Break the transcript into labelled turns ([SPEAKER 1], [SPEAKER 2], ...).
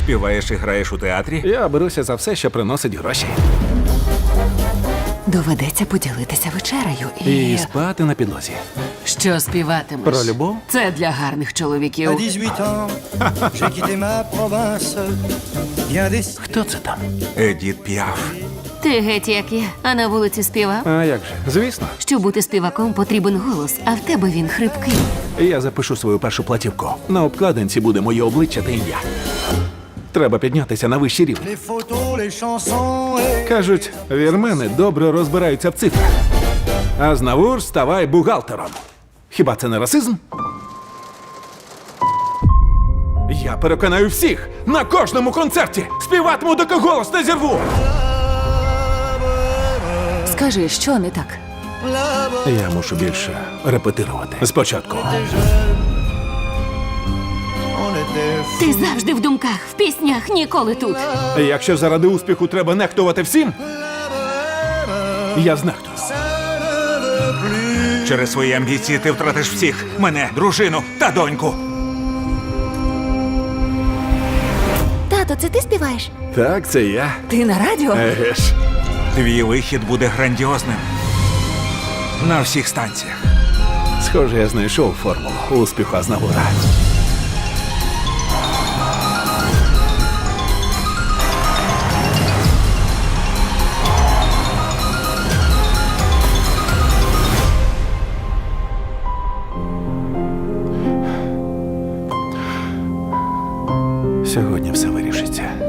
[SPEAKER 1] Співаєш і граєш у театрі?
[SPEAKER 2] Я беруся за все, що приносить гроші.
[SPEAKER 3] Доведеться поділитися вечерею
[SPEAKER 2] І спати на підлозі.
[SPEAKER 3] Що співатимеш?
[SPEAKER 2] Про любов?
[SPEAKER 3] Це для гарних
[SPEAKER 4] À
[SPEAKER 3] чоловіків.
[SPEAKER 4] 18 ans, j'ai quitté ma province. Bien des...
[SPEAKER 2] Хто це там?
[SPEAKER 1] Едіт Піаф.
[SPEAKER 5] Ти геть як я, а на вулиці співав.
[SPEAKER 2] А як же? Звісно.
[SPEAKER 5] Щоб бути співаком, потрібен голос, а в тебе він хрипкий.
[SPEAKER 2] Я запишу свою першу платівку. На обкладинці буде моє обличчя та ім'я. Треба піднятися на вищий рівень.
[SPEAKER 4] Les photos, les chansons et...
[SPEAKER 2] Кажуть, вірмени добре розбираються в цифрах. А знавур ставай бухгалтером. Хіба це не расизм? Я переконаю всіх на кожному концерті. Співатиму, доки голос не зірву.
[SPEAKER 3] Скажи, що не так?
[SPEAKER 2] Я мушу більше репетирувати. Спочатку.
[SPEAKER 4] On était
[SPEAKER 5] Ти завжди в думках, в піснях, ніколи тут.
[SPEAKER 2] Якщо заради успіху треба нехтувати всім, я знехтую.
[SPEAKER 1] Через свої амбіції ти втратиш всіх. Мене, дружину та доньку.
[SPEAKER 5] Тато, це ти співаєш?
[SPEAKER 2] Так, це я.
[SPEAKER 3] Ти на радіо?
[SPEAKER 2] Еге ж.
[SPEAKER 1] Твій вихід буде грандіозним. На всіх станціях.
[SPEAKER 2] Схоже, я знайшов формулу успіху Азнавура. Сьогодні все вирішиться.